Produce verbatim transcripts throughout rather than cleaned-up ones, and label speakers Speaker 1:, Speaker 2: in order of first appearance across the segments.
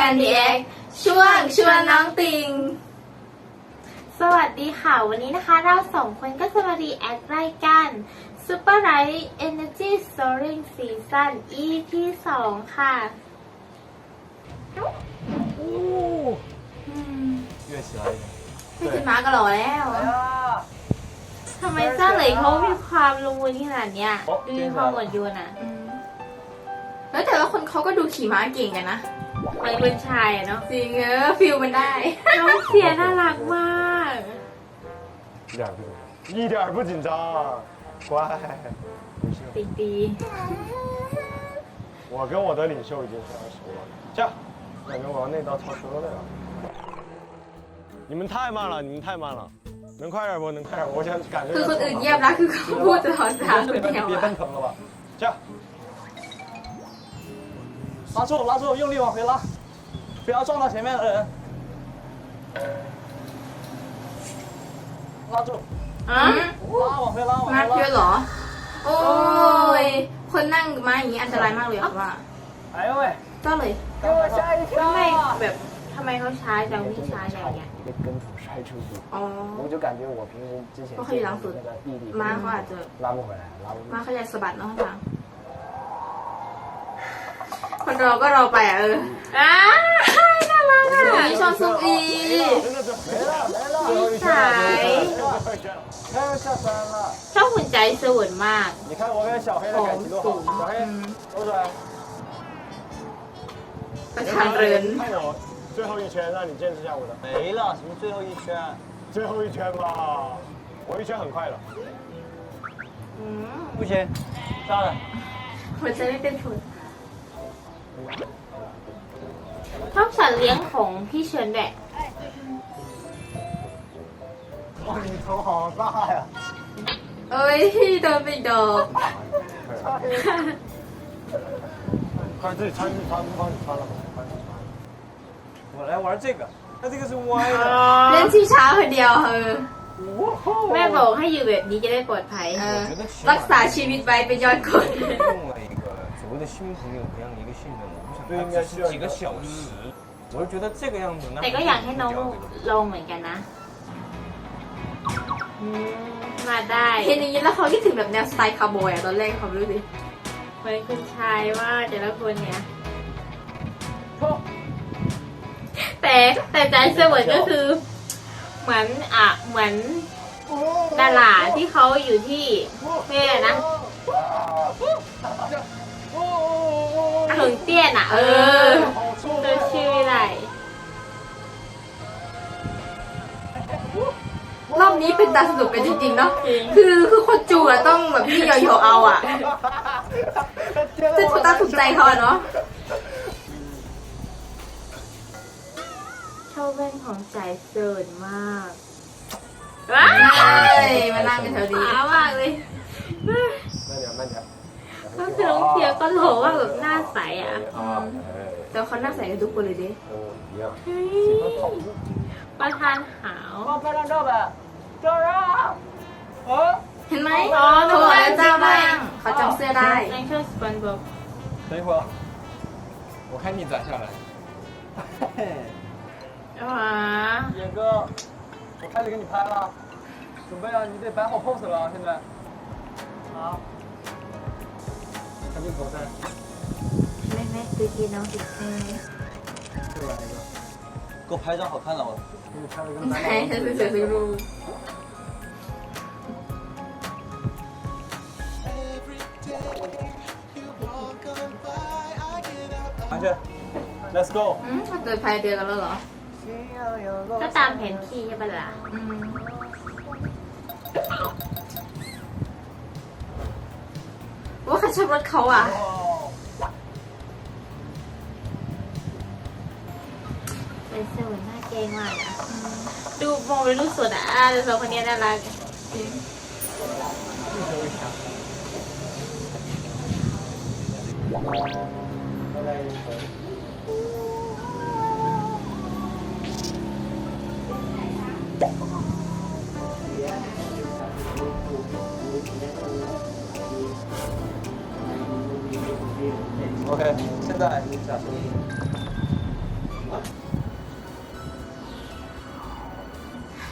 Speaker 1: กันดีเอ็กช่วงชวนน้องติงสวัสดีค่ะวันนี้นะคะเราสองคนก็จะมารีแอครายการ Super Light Energy Soaring Season อี พี สองค่ะ
Speaker 2: 越起来一点。
Speaker 1: พี่จิมาก็หล่อแล้วทำไมเจ้าเหลยเขามีความลงมือขนาดเนี้ยดูมีความหมดยวนอ่ะแล้วแต่ละคนเขาก็ดูขี่ม้าเก่งกันนะมันเป็นชายอะเนาะจริงเออฟิลมันได้น้องเสียน่ารักมาก
Speaker 2: 一点不紧张，一点不紧张，乖。
Speaker 1: ตีตี
Speaker 2: 我跟我的领袖已经非常熟了，这样，感觉我要那道超车了呀。你们太慢了，你们太慢了，能快点不？能快点！我想感觉。
Speaker 1: คือคนอื่นเงียบนะคือเขาพูดตลอดสามคนแถว
Speaker 2: 别奔腾了吧？这样，
Speaker 3: 拉住，拉住，用力往回拉，不要撞到前面的人。拉住，
Speaker 1: อ่ะ
Speaker 3: 拉往回拉，往
Speaker 1: มา
Speaker 3: 回
Speaker 1: เยอะ
Speaker 3: 拉。
Speaker 1: เหรอโอ้ยคนนั่งมาอย่างนี้อันตรายมากเลยว่า
Speaker 3: 哎呦喂，
Speaker 1: เจ้าเลย
Speaker 3: 给我吓一
Speaker 1: ทำไม
Speaker 3: 跳！
Speaker 1: แบบทำไมเขาช้าจังวิ่งช้าอย่างเงี้ย
Speaker 2: 一个跟土摔出去，
Speaker 1: อ๋อ
Speaker 2: 我就感觉我平时之前
Speaker 1: เพราะเขาอยู่หลังสุด
Speaker 2: 那个毅力
Speaker 1: ม้าเขาอาจจะ
Speaker 2: 拉不回来，拉不回
Speaker 1: ม้า
Speaker 2: 来。
Speaker 1: เขาจะสะบัดน้องทางคนรอก็รอไปอ่ะเอออ้าน่ารักอ่ะชอบซุกอี
Speaker 2: 真的是没了没了，最后一圈了，最后一圈了，太阳下山了。
Speaker 1: ชอบหุ่นใจสวยมาก
Speaker 2: 你看我跟小黑的感情多好，小黑，走出来。
Speaker 1: ประชันเริน
Speaker 2: 看我最后一圈，让你见识一下我的。
Speaker 3: 没了，什么最后一圈？
Speaker 2: 最后一圈吧，我一圈很快的。
Speaker 1: อืม
Speaker 3: 不行，下来。
Speaker 1: หัวใจไม่เป็นผลชอบสัตว์เลี้ยงของพี่เชิญแดะ
Speaker 2: 哇，你头好大呀！
Speaker 1: เอ้ยโดนไปดอก
Speaker 2: 快自己穿穿帮你穿了吧，帮你穿。
Speaker 3: 我来玩这个，那这个是歪的。
Speaker 1: เล่นชิงช้าคนเดียวเออ
Speaker 3: 哇
Speaker 1: แม่บอกให้อยู่แบบนี้จะได้ปลอดภัยเออ
Speaker 3: 我觉得起
Speaker 1: รั
Speaker 3: 码
Speaker 1: กษาชีวิตไว้เป็นยอดคน
Speaker 3: 用了一个所谓的新朋友培养一个信任，我不想
Speaker 2: 对应该
Speaker 3: 他
Speaker 2: 是
Speaker 3: 只是几个小时，我就觉得这个样子，那
Speaker 1: แต่ก็อยากให้น้องลองเหมือนกันนะอืมมาได้เห็นอย่างนี้แล้วเขาคิดถึงแบบแนวสไตล์คาร์บอยอะตอนแรกเขารู้สิเหมือนคุณชายว่าแต่ละคนเนี่ยแต่แต่ใจเสวยก็คือ เหมือนอ่ะเหมือนดาราที่เขาอยู่ที่แม่นะถึงเตี้ยนอ่ะเออเจอชื่ออะไรรอบนี้เป็นตาสนุกกันจริงๆเนาะคือคือคนจูอะต้องแบบนี่โยโย่เอาอ่ะจะถูกตาถูกใจเขาอะเนาะชอบแว่นของใจเซิร์นมากว้ายมานั่งกันแถวนี้มากเลย
Speaker 2: 慢点慢点。
Speaker 1: ก็คือน้องเทียก็หล่อว่าแบบหน้าใสอ่ะ
Speaker 2: 啊，
Speaker 1: แต่เขาหน้าใสกันทุกคนเลยดิ
Speaker 2: 嗯，一样。
Speaker 1: ประธานหาว
Speaker 3: 帮拍张照呗，照照。啊，
Speaker 1: เห็นไหมอ๋อโทรแล้วเจ้าบ้างเขาจำเสื้อได้ยังเชื่อสปอนบอก
Speaker 3: 等一会儿，我看你咋下来。
Speaker 1: อ๋อ
Speaker 3: 野哥，我开始给你拍了，准备啊，你得摆好 pose 了啊，现在。好，赶紧走噻。
Speaker 1: ไม่ไม่คือกินน้องสิ
Speaker 3: 这边一个，给我拍一张好看的，我给你拍了个
Speaker 1: ใช่ฉันเสือซื้อรู
Speaker 3: 上去，Let's go。
Speaker 1: อืมเกิดภายเดือนกันแล้วเหรอ ก็ตามแผนที่ใช่ปะล่ะอืมว่าเขาชอบรถเขาอ่ะเป็นเซอร์หน้าเกงมากนะดูมองไปรูปสดอ่ะแต่สองคนนี้น่ารักจริง
Speaker 3: OK，现在下车。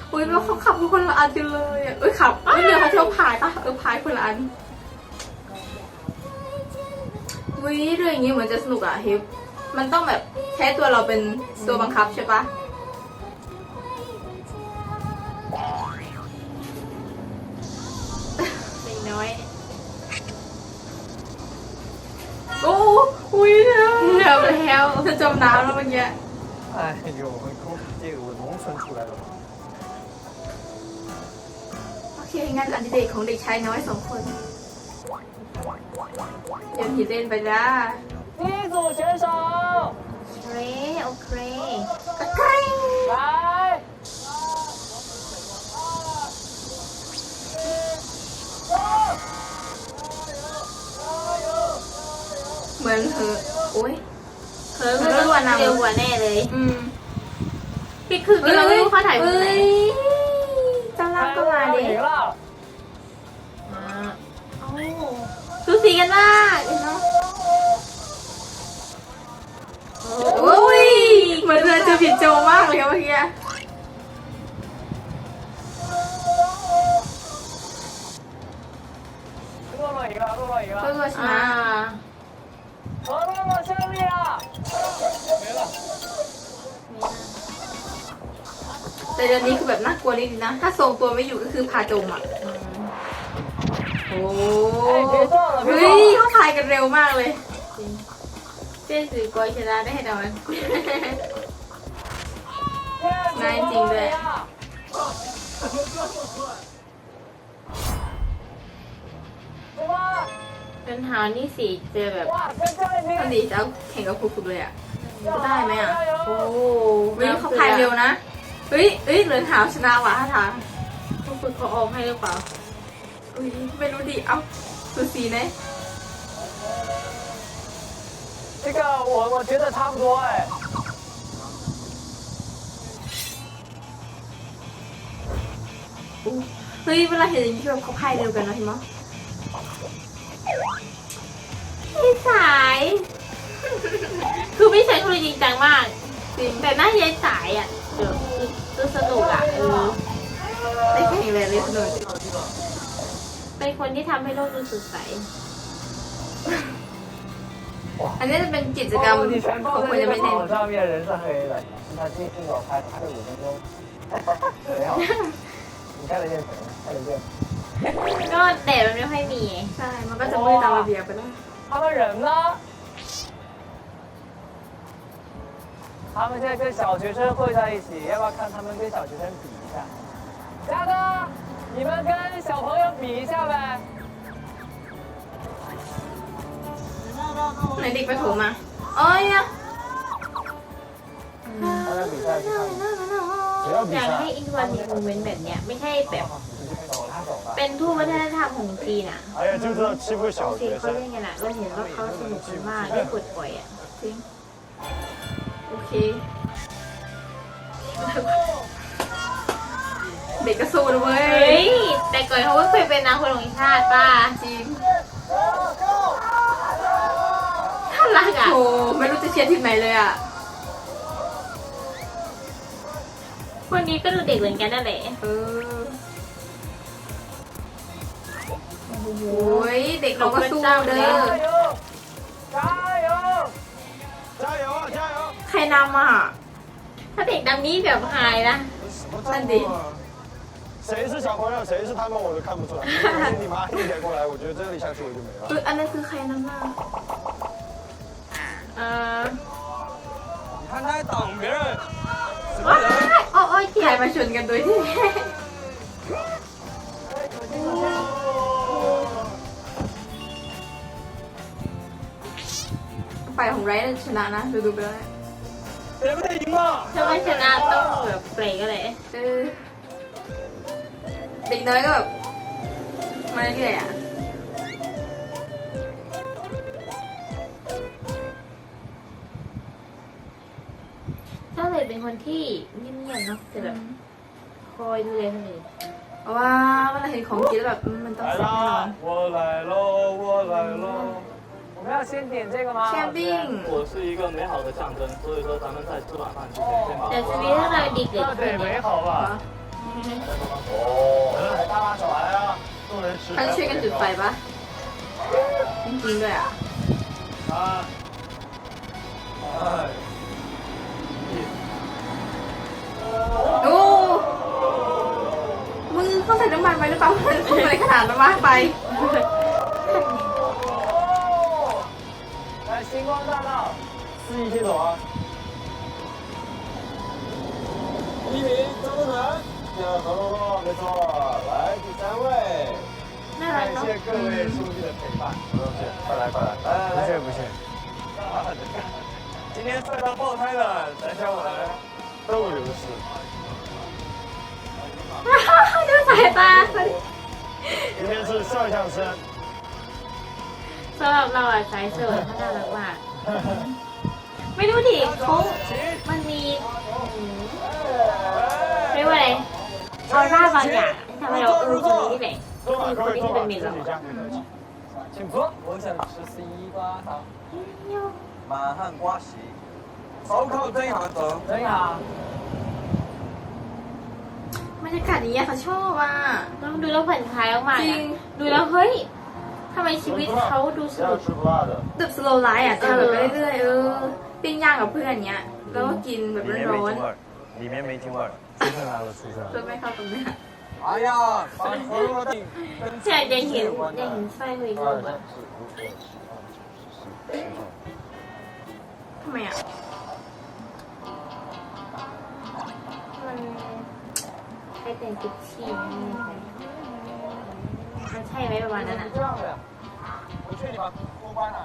Speaker 1: อุ้ยแล้วเขาขับคนละอันกันเลยอ่ะเอ้ยขับไม่เดี๋ยวเขาเที่ยวพายปะเออพายคนละอันอุ้ยเรื่องอย่างนี้เหมือนจะสนุกอ่ะฮิปมันต้องแบบใช้ตัวเราเป็นตัวบังคับใช่ปะเด็กน้อยโอ้อุ้ยเร็วเร็วแล้วจะจมน้ำแล้วเมื่อกี้
Speaker 3: 哎呦，很空这个我农村出来的嘛。
Speaker 1: โอเคงานอดิเรกของเด็กชายน้อยสองคนเดี๋ยวผีเล่นไปจ้า
Speaker 3: 第一组选手
Speaker 1: โอเคโอเคโอเค
Speaker 3: 来，
Speaker 1: เหมือนเธอโอ้ย
Speaker 4: เธอคือต้องเร็วกว่าแน่เลย
Speaker 1: อืม
Speaker 4: พี่คือเราไม่รู้เขาถ่ายที่ไหน
Speaker 1: จ้าล่างก็มาดิ
Speaker 3: 赢了。
Speaker 4: สูสีกันมากเนาะ
Speaker 1: โอ้ยเหมือนเธอเจอผิดโจมากเลยอะเมื่อกี้
Speaker 3: 洛洛赢了，洛洛赢
Speaker 1: ก็
Speaker 3: 了，
Speaker 1: ตัวช
Speaker 4: อ่า
Speaker 1: นะ
Speaker 3: 和洛洛胜利了。没了。
Speaker 1: แต่เดือนนี้คือแบบน่ากลัวนิดนึงนะ ถ้าทรงตัวไม่อยู่ก็คือพาจมอ่ะโอ้เฮ้ยเขาพายกันเร็วมากเลย
Speaker 4: เจ๊สื่อกอยชนะได้แน่นอน
Speaker 1: นายจริงด้วย
Speaker 3: 对吧？
Speaker 4: ปัญหานี่สิเจอแบบ
Speaker 3: 哇，跟教练
Speaker 1: ตอน
Speaker 3: 比。
Speaker 1: นี้จะเอาแข่งกับครูฝึกเลยอ่ะ จะได้ไหมอ่ะ
Speaker 4: โอ้
Speaker 1: เฮ้ยเขาพายเร็วนะ เฮ้ยเฮ้ยเหลือหาวชนะว่ะท่าทาง
Speaker 4: ผู้ฝึกเขาออกให้หรือเปล่า
Speaker 1: อุ้ยไม่รู้ดิ เอ้าสูสีนะ
Speaker 3: 这个我我觉得差不多哎。
Speaker 1: เฮ้ยเวลาเห็นอย่างนี้แบบเขาพายเร็วกันนะเห็นไหมย
Speaker 4: พี่สาย คือพี่สายเขาเลยจริงจังมาก
Speaker 1: จริง
Speaker 4: แต่หน้ายายสายอ่ะเดี๋ยวคือสนุกอ่ะเออ
Speaker 1: ได้แข่งเลยเลยสนุก
Speaker 4: เป็นคนที่ทำให้โลกดูสดใส
Speaker 1: อันนี้จะเป็นกิจกรรม
Speaker 3: 你全
Speaker 1: ของ
Speaker 3: 部
Speaker 1: คน
Speaker 3: 在
Speaker 1: จะ
Speaker 3: 这
Speaker 1: ไม่
Speaker 3: 个
Speaker 1: เล่น
Speaker 3: 跑上面，人是黑的。他今天给我拍拍了五分钟，没有。你看得见谁？看得见。
Speaker 4: ก็แดดมันไม่ค่อยมี
Speaker 1: ใช่ มันก็จะมืดตามระเบียบไปแล้ว
Speaker 3: 他们人呢？他们现在跟小学生会在一起，要不要看他们跟小学生比一下？嘉哥，你们跟小朋友比一下呗。
Speaker 1: ไหนเด็กประถมมาโอ้ยอะ
Speaker 3: 大家比赛去看。谁要比
Speaker 4: อยาก
Speaker 3: 赛
Speaker 4: ให้？อินวันมีโมเมนต์แบบเนี้ยไม่ใช่แบบ
Speaker 3: 走他走吧。
Speaker 4: เป็นทูตวัฒนธรรมของจีนอ่ะ
Speaker 2: 哎呀，就知道欺负小
Speaker 4: จีน
Speaker 2: 学
Speaker 4: เขา
Speaker 2: 生
Speaker 4: เล่นกันอ่ะเราเห็นว่าเขาสนุกกันมากได้ปลดปล่อยอ่ะ
Speaker 1: จริง โอเค เด็กก็สู้นะเว้
Speaker 4: เฮ้
Speaker 1: ย
Speaker 4: ย แต่ก่อนเขาก็เคยเป็นนางคนของชาติป้า
Speaker 1: จริง
Speaker 4: น่ารักอ่ะ
Speaker 1: โอ้ไม่รู้จะเชียร์ทีมไหนเลยอ่ะ
Speaker 4: คนนี้ก็ดูเด็กเหมือนกันนั่นแหละ
Speaker 1: เออโอ้ยเด็กเราก็สู้เด้อ
Speaker 3: 加油！加油！
Speaker 2: 加油啊，加油！
Speaker 1: ใครนำอ่ะ
Speaker 4: ถ้าเด็กดำนี้แบบหายนะ
Speaker 2: 什么战斗啊？谁是小朋友，谁是他们，我都看不出来。如果是你妈一点过来，我觉得这里下去我就没
Speaker 1: เอ
Speaker 2: 了。
Speaker 1: ออันนั้นคือใครนำอ่ะ
Speaker 4: เออ
Speaker 3: 你看他还挡别人，什么
Speaker 4: ว้าย
Speaker 3: 人？
Speaker 4: โอ้โอ้ย
Speaker 1: ใค
Speaker 4: เจ็
Speaker 1: ร
Speaker 4: บ
Speaker 1: มาชนกันโดยที่ ฝ่ายของไรท์ชนะนะ ดูดูไปแล้ว
Speaker 3: 谁不得赢了？
Speaker 4: ถ้าไม่ชนะต้องแบบเปรย์ก็เลย
Speaker 1: เออเด็กน้อยก็แบบมาเรื่อยๆอ่ะ
Speaker 4: ถ้าเลยเป็นคนที่เงียบๆเนาะแต่แบบคอยดูแลคนอื่น
Speaker 1: เพราะว่าเวลาเห็นของกินแล้วแบบอืมมันต้อง
Speaker 2: 来
Speaker 1: แซ่บแน่นอน
Speaker 2: 啦，我来喽，我来喽。
Speaker 3: 我们要先点这个吗？
Speaker 1: แชมปิ้ง
Speaker 5: 我是一个美好的象征，所以说咱们在吃晚饭之前先把
Speaker 4: แต่ชีวิตถ้าเราดีเกิด
Speaker 3: 那
Speaker 4: ขึ้น
Speaker 3: 得
Speaker 4: เนี่
Speaker 3: 美
Speaker 4: ย
Speaker 3: 好吧？
Speaker 1: ม
Speaker 2: 哦，来，大妈手来啊，众人吃。
Speaker 1: เขาจะช่วยกันจุดไฟปะจริงๆด้วยอ่ะ
Speaker 2: 三，二，一。
Speaker 1: โอ้มึงเขาใส่น้ำมันไปหรือเปล่ามันพุ่งอะไรขนาดนั้นวะไป
Speaker 3: 来星光大道，
Speaker 2: 司仪先走啊。第一名张东腾，第二何洛洛，没错，来第三位。
Speaker 1: น่ารัก
Speaker 2: 感
Speaker 1: เนาะ
Speaker 2: 谢各位兄弟的陪伴，不用谢，快来快来，来来来，不谢不谢。今天赛道爆胎的翟潇闻都流失。
Speaker 1: ดูสายตา
Speaker 2: 今天是摄像师，
Speaker 4: สำหรับเราอะสายเสิร์ฟเขาน่ารักมาก
Speaker 1: ไม่รู้ดิเขา
Speaker 4: มันมีอืมเรียกว่าอะไรออร่าบางอย่างทำให้เราเออคนนี้นี่แหละ
Speaker 2: 都把各位坐吧，自己家。
Speaker 3: 请坐。我想吃西瓜汤，
Speaker 5: 满汉瓜席，手扣真行整。
Speaker 3: 真好。
Speaker 1: บรรยากาศอย่างเงี้ยเขาชอบอ่ะ
Speaker 4: ต้องดูแล้วผ่อนคลายมาก
Speaker 1: จ
Speaker 4: ๆ
Speaker 1: ริง
Speaker 4: อะดูแล้วเฮ้ยทำไมชีวิตเขาดูส
Speaker 2: 要
Speaker 4: นุก
Speaker 2: 吃不辣的。
Speaker 1: แบบสโลไลฟ์อ่ะจะแบบไปเรื่อยๆเออปิ้งย่างกับเพื่อนเงี้ยแล้วก็กินแบบ
Speaker 5: 里面
Speaker 1: ร้
Speaker 5: 没
Speaker 1: อน
Speaker 5: 京味儿，里面没京味儿。
Speaker 2: 出生来了，出生
Speaker 1: ๆจนไม่เข้าตรงเนี้ย
Speaker 5: 哎呀，把何洛定跟
Speaker 4: ใช่ยังเห็นยังเห็นไส้เลย
Speaker 2: 二
Speaker 4: ก็
Speaker 2: 三
Speaker 4: แบบ
Speaker 2: 四五六七八九十十一十二。
Speaker 1: ทำไมอ่ะ
Speaker 4: มันใช้แต่งกุชชี่มันใช่ไหมประมาณนั้นอ่ะ
Speaker 3: 这样的，
Speaker 5: 我劝你把锅关了。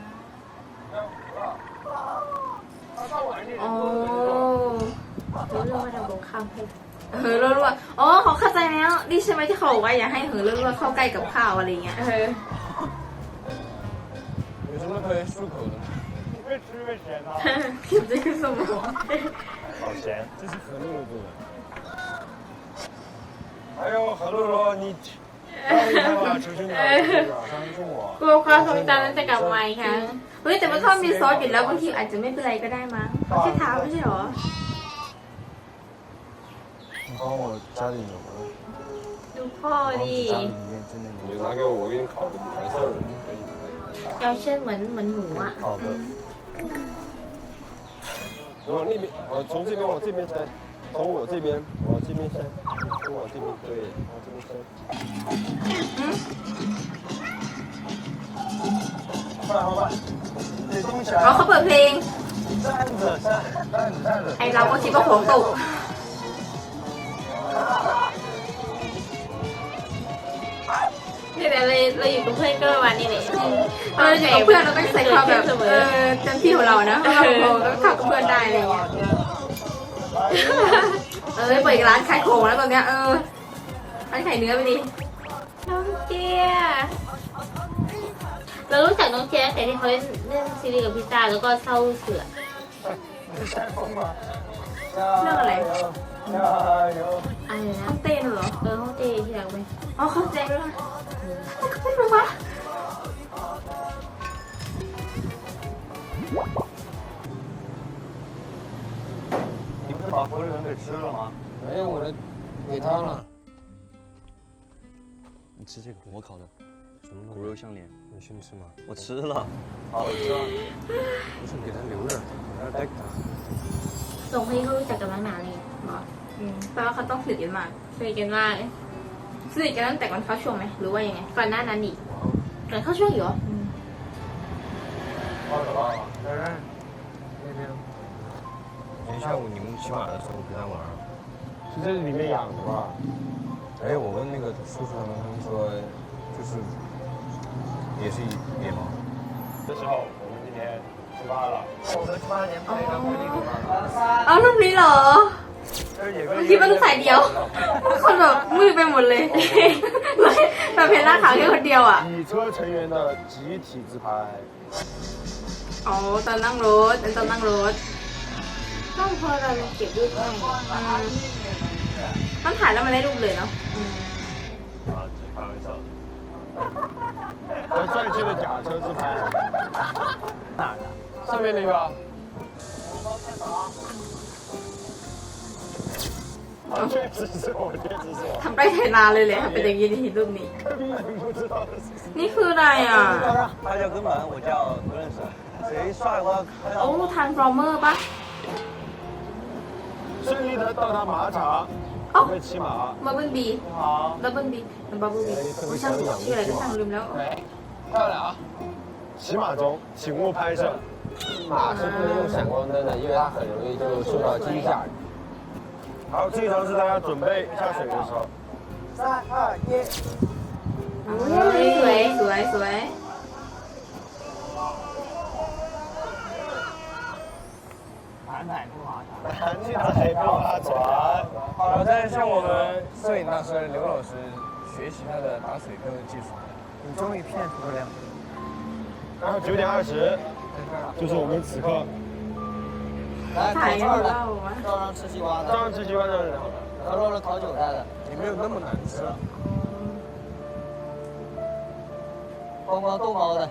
Speaker 1: อ๋อ
Speaker 4: รู้เรื่องว่าเราลงข้ามให้
Speaker 1: เออรัวๆอ๋อเขาเข้าใจแล้วนี่ใช่ไหมที่เขาบอกว่าอย่าให้เหือรัวๆเข้าใกล้กับข้าวอะไรเงี้ยเออ
Speaker 5: 有什么可以漱口的？
Speaker 2: 越吃越咸啊！
Speaker 1: ผิวจะขึ้นสมอง
Speaker 2: 好咸，这是何露露做的。哎呦，何露露，你太厉害了，求求你了，相信我。
Speaker 1: กลัวความทรงจำนั้นจะกลับมาอีกครั้งเฮ้ยแต่มันถ้ามีซอสอยู่แล้วบางทีอาจจะไม่เป็นไรก็ได้มั้งแค่เท้าไม่ใช่หรอ
Speaker 2: 你帮我家里有吗？
Speaker 4: ดูพ่อดิ
Speaker 2: 家里里面真的有。你拿给我，我给你烤的白色的，可以。
Speaker 4: ยาเช่นเหมือนเหมือนหมูอ่ะ
Speaker 2: 好的。我那边，我从这边往这边伸，从我这边往这边伸，从我这边对，往这边伸。快快快！得动起
Speaker 1: อ๋อ
Speaker 2: 来！
Speaker 1: เขาเปิดเพลง
Speaker 2: 站着站，站着站着。
Speaker 1: ไอเราก็คิดว่าหัวตกเนี่ยเราเราอยู่กับเพื่อนก็ประมาณนี้แหละเราอยู่กับเพื่อนเราต้องใส่ความแบบเออเต็มที่ของเรานะเพราะเราเราต้องเข้ากับเพื่อนได้อะไรเงี้ยเออเปิดร้านขายของแล้วตอนเนี้ยเออร้านขายเนื้อไปดิ
Speaker 4: น้องเจียเรารู้จักน้องเจียตั้งแต่ที่เขาเล่นเล่นซีรีส์กับพิซซ่าแล้วก็เศร้าเสือ
Speaker 2: 你先疯吧！
Speaker 1: เรื่องอะไร
Speaker 2: 加油！
Speaker 4: อะไรนะ
Speaker 1: ห้องเต้นเหรอ
Speaker 4: เออห้องเจที่รักไหม
Speaker 1: อ๋อเขาแจ้งด้วยนะเขาเป็นหรอวะ
Speaker 5: 你不是把火腿肠给吃了吗？
Speaker 6: 没有，我这给他了。
Speaker 5: 你吃这个，我烤的
Speaker 6: 什么
Speaker 5: 骨肉相连，
Speaker 6: 你先吃吗？
Speaker 5: 我吃了。好吃。
Speaker 6: 不是，你给他留着，你要带给他。
Speaker 4: ส่งให้เขารู้จักกันมานานเลย
Speaker 1: อ๋ออืมแปลว่าเขาต้องสนิทกันมาก
Speaker 4: สนิทกันมาก
Speaker 1: สนิทกันตั้งแต่ก่อนเข้าช่วงไหมหรือว่ายังไง
Speaker 4: ก่อนหน้านั้นอีกก่อนเข้าช่วงอยู่เหรอ
Speaker 2: 包走了。
Speaker 6: 珊珊，那边，今天下午你们骑马的时候陪他玩儿。
Speaker 2: 是在里面养的吧？
Speaker 6: 哎，我问那个叔叔他们，他们说就是也是野猫。
Speaker 2: 这时候我们今天出发了。
Speaker 5: 我们八年配上规定的吗？
Speaker 1: เอารูปนี้เหรอ
Speaker 2: 这是野哥
Speaker 1: คิดว่าต้องใส่เดียวคนแบบมืดไปหมดเลยแบบเพลล่าขาวแค่คนเดียวอ่ะ
Speaker 2: 乙车成员的集体自拍。
Speaker 1: อ๋อตอนนั่งรถเป็นตอนนั่งรถ
Speaker 4: ต้องพอเราเก็บรูปให้
Speaker 1: อืมต้องถ่ายแล้วมันได้รูปเลยเนาะ
Speaker 2: 啊，只开玩笑。和帅气的假车自拍。哪儿的？上面那个。好了， 确实是我，确实是我，
Speaker 1: ทำไปไถนาเลยเลยค่ะเป็นอย่างนี้ในรูปนี้
Speaker 2: 根本不知道这是什么。
Speaker 1: นี่คืออะไรอ่ะ
Speaker 5: 他叫根本，我叫不认识。谁帅我要看
Speaker 1: โอ้
Speaker 5: 到。
Speaker 1: ทานฟอร์เมอร์ปะ
Speaker 2: 顺利的到达马场，
Speaker 1: 哦
Speaker 2: 准备骑马。
Speaker 1: บับเบิ้ลบี
Speaker 3: 好，
Speaker 1: บับเบิ้ลบีบับเบิ้ลบีช่างชื่ออะไรก็ช่างลืมแล้ว
Speaker 3: 漂亮啊！
Speaker 2: 骑马中，请勿拍摄。
Speaker 6: 马是不能用闪光灯的，因为它很容易就受到惊吓。
Speaker 2: 好，这一场是大家准备下水的时候。
Speaker 5: 三二一。
Speaker 1: เฮ้ยสวยสวยสวย
Speaker 3: 南海不划船。
Speaker 2: 南海不划船。
Speaker 6: 我在向我们摄影大师刘老师学习他的打水漂的技术。
Speaker 3: 你终于骗出了两个。
Speaker 2: 然后九点二十，就是我们此刻
Speaker 1: ถ่ายกันเล่าอะ
Speaker 6: 照样吃西瓜
Speaker 2: 照样吃西瓜照样聊。
Speaker 6: 然后了烤韭菜的，也没有那么难吃。光光豆包的。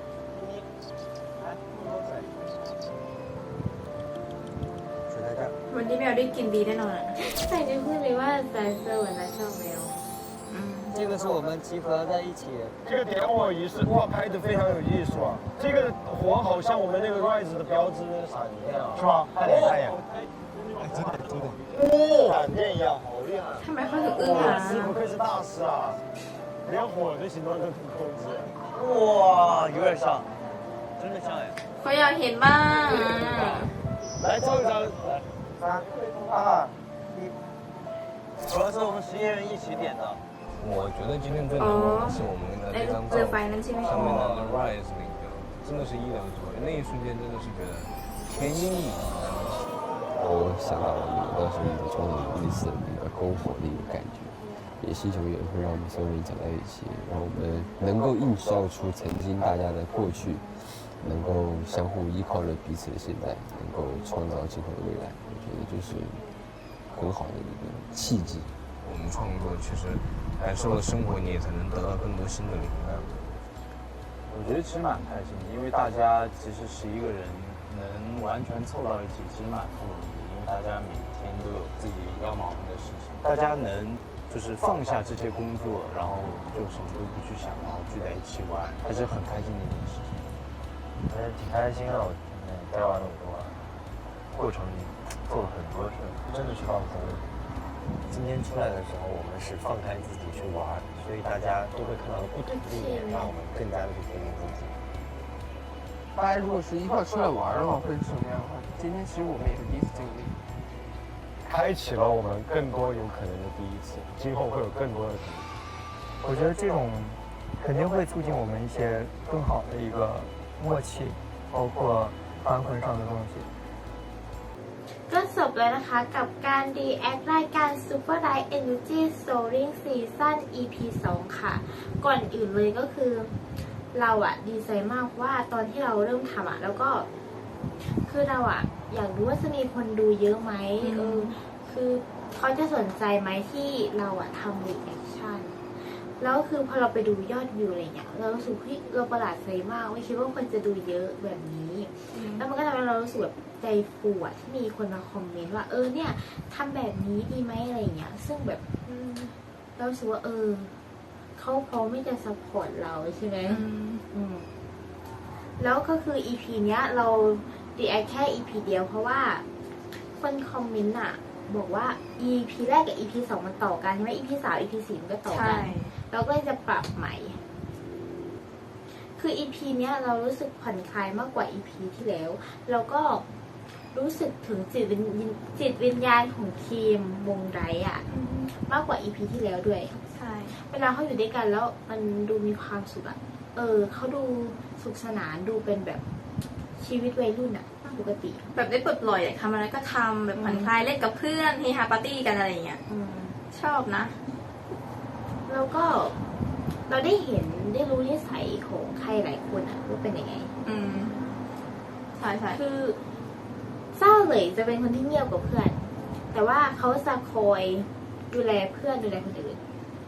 Speaker 5: 水在这儿。
Speaker 1: วันนี้แมวได้กินดีแน่นอนอะ
Speaker 4: ใส่จะพูดเลยว่าแซนเซอร์เหมือนจะชอบแมว
Speaker 6: 这个是我们集合在一起。
Speaker 2: 这个点火仪式哇，拍的非常有艺术啊！这个火好像我们那个 Rise 的标志闪电啊，是吧？看脸看脸，哎，真的真的，哦，闪电一样，好厉害！
Speaker 1: ทำไมเขาถึงอึ้ง
Speaker 2: 哇，
Speaker 1: อ่ะ
Speaker 2: 师傅愧是大师啊，连火的形状都能控制。
Speaker 5: 哇，有点像，真的像哎。
Speaker 1: เขาอยากเห็นบ้างอะ
Speaker 2: 来照一张，来，
Speaker 5: 三二一。主要是我们十一人一起点的。
Speaker 6: 我觉得今天最难忘的是我们的
Speaker 1: ไอ้
Speaker 6: 那张
Speaker 1: เรือ
Speaker 6: 照
Speaker 1: ไฟนั้นใช่ไหม
Speaker 6: 上面的那个 rise 那个，真的是意料之外。那一瞬间真的是觉得天阴影
Speaker 7: 我想到了我当时的创造类似的那个篝火的一个感觉，也是一种缘分，让我们所有人讲在一起，让我们能够映照出曾经大家的过去，能够相互依靠着彼此的现在，能够创造今后的未来。我觉得这是很好的一个契机。
Speaker 6: 我们创作其实感受了生活，你也才能得到更多新的灵感。
Speaker 8: 我觉得其实蛮开心的，因为大家其实十一个人能完全凑到一起，其实蛮不容易，因为大家每天都有自己要忙的事情，大家能就是放下这些工作，然后就什么都不去想，然后聚在一起玩，还是很开心的一件事情。
Speaker 5: 还是挺开心的，我待完那么多，过程做了很多事，真的是放松。今天出来的时候，我们是放开自己去玩，所以大家都会看到不同的一面，让我们更加的去肯定自己。
Speaker 9: 大家如果是一块出来玩的话，会是什么样的话？今天其实我们也是第一次经历，
Speaker 2: 开启了我们更多有可能的第一次，今后会有更多的可能。
Speaker 3: 我觉得这种肯定会促进我们一些更好的一个默契，包括翻魂上的东西。
Speaker 4: ก็จบแล้วนะคะกับการรีแอครายการ Super Light Energy Soaring Season อี พี สอง ค่ะ ก่อนอื่นเลยก็คือเราอะดีใจมากว่าตอนที่เราเริ่มทำอะแล้วก็คือเราอะอยากรู้ว่าจะมีคนดูเยอะไหมเออคือเขาจะสนใจไหมที่เราอะทำรีแอคชั่นแล้วคือพอเราไปดูยอดวิวอะไรเงี้ยเรารู้สึกที่เราประหลาดใจมากไม่คิดว่าคนจะดูเยอะแบบนี้ แล้วมันก็ทำให้เรารู้สึกแบบใจฟูอะที่มีคนมาคอมเมนต์ว่าเออเนี่ยทำแบบนี้ดีไหมอะไรเงี้ยซึ่งแบบเรารู้สึกว่าเออเขาพร้อมที่จะซัพพอร์ตเราใช่ไหมอืมแล้วก็คือ อี พี เนี้ยเราดีแอคแค่ อี พี เดียวเพราะว่าคนคอมเมนต์อะบอกว่า อี พี แรกกับ อี พี สองมันต่อกันใช่ไหม อี พี สาม อี พี สี่มันก็ต่อกันเราก็เลยจะปรับใหม่ คือ อี พี เนี้ยเรารู้สึกผ่อนคลายมากกว่า อี พี ที่แล้ว แล้วก็รู้สึกถึงจิตวิญจิตวิญญาณของทีมวงไรอ่ะมากกว่า อี พี ที่แล้วด้วยใช่เวลาเขาอยู่ด้วยกันแล้วมันดูมีความสุขอ่ะเออเขาดูสุขสนานดูเป็นแบบชีวิตวัยรุ่นอ่ะปกติ
Speaker 1: แบบได้ปลดปล่อยอยากทำอะไรก็ทำแบบผ่อนคลายเล่นกับเพื่อนเฮฮาปาร์ตี้กันอะไรอย่างเงี้ยชอบนะ
Speaker 4: แล้วก็เราได้เห็นได้รู้นิสัยของใครหลายคนอะว่าเป็นยังไง
Speaker 1: อืมใช่ใช่
Speaker 4: คือเศร้าเลยจะเป็นคนที่เงียบกว่าเพื่อน แต่ว่าเขาจะคอยดูแลเพื่อนดูแลคนอื่น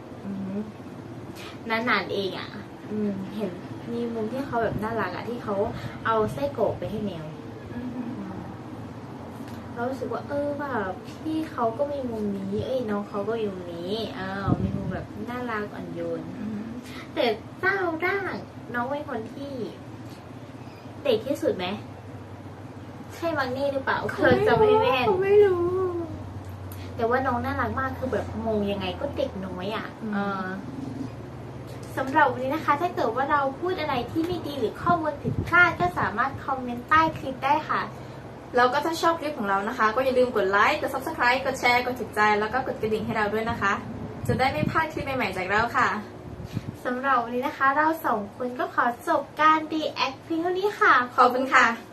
Speaker 4: นานๆเองอะอืมเห็นมีมุมที่เขาแบบน่ารักอะที่เขาเอาไส้กรอกไปให้แมวเรารู้สึกว่าเออแบบพี่เขาก็มีมุมนี้เอ้ยน้องเขาก็มีมุมนี้อ้าวมีมุมแบบน่ารักอ่อนโยนแต่เจ้าร่างน้องเป็นคนที่เด็กที่สุดไหมใช่มังนี่หรือเปล่าเราจะไม่แม่นไม่รู้ แต่ว่าน้องน่ารักมากคือแบบมองยังไงก็เด็กน้อยอ่ะเออสำหรับวันนี้นะคะถ้าเกิดว่าเราพูดอะไรที่ไม่ดีหรือข้อมูลผิดพลาดก็สามารถคอมเมนต์ใต้คลิปได้ค่ะ
Speaker 1: แล้วก็ถ้าชอบคลิปของเรานะคะก็อย่าลืมกดไลค์ กด ซับสไครบ์ กดแชร์ กดถูกใจ แล้วก็กดกระดิ่งให้เราด้วยนะคะ จะได้ไม่พลาดคลิปใหม่ๆจากเราค่ะ
Speaker 4: สำหรับวันนี้นะคะเราสองคนก็ขอจบการ react เพียงเท่านี้ค่ะ
Speaker 1: ขอบคุณค่ะ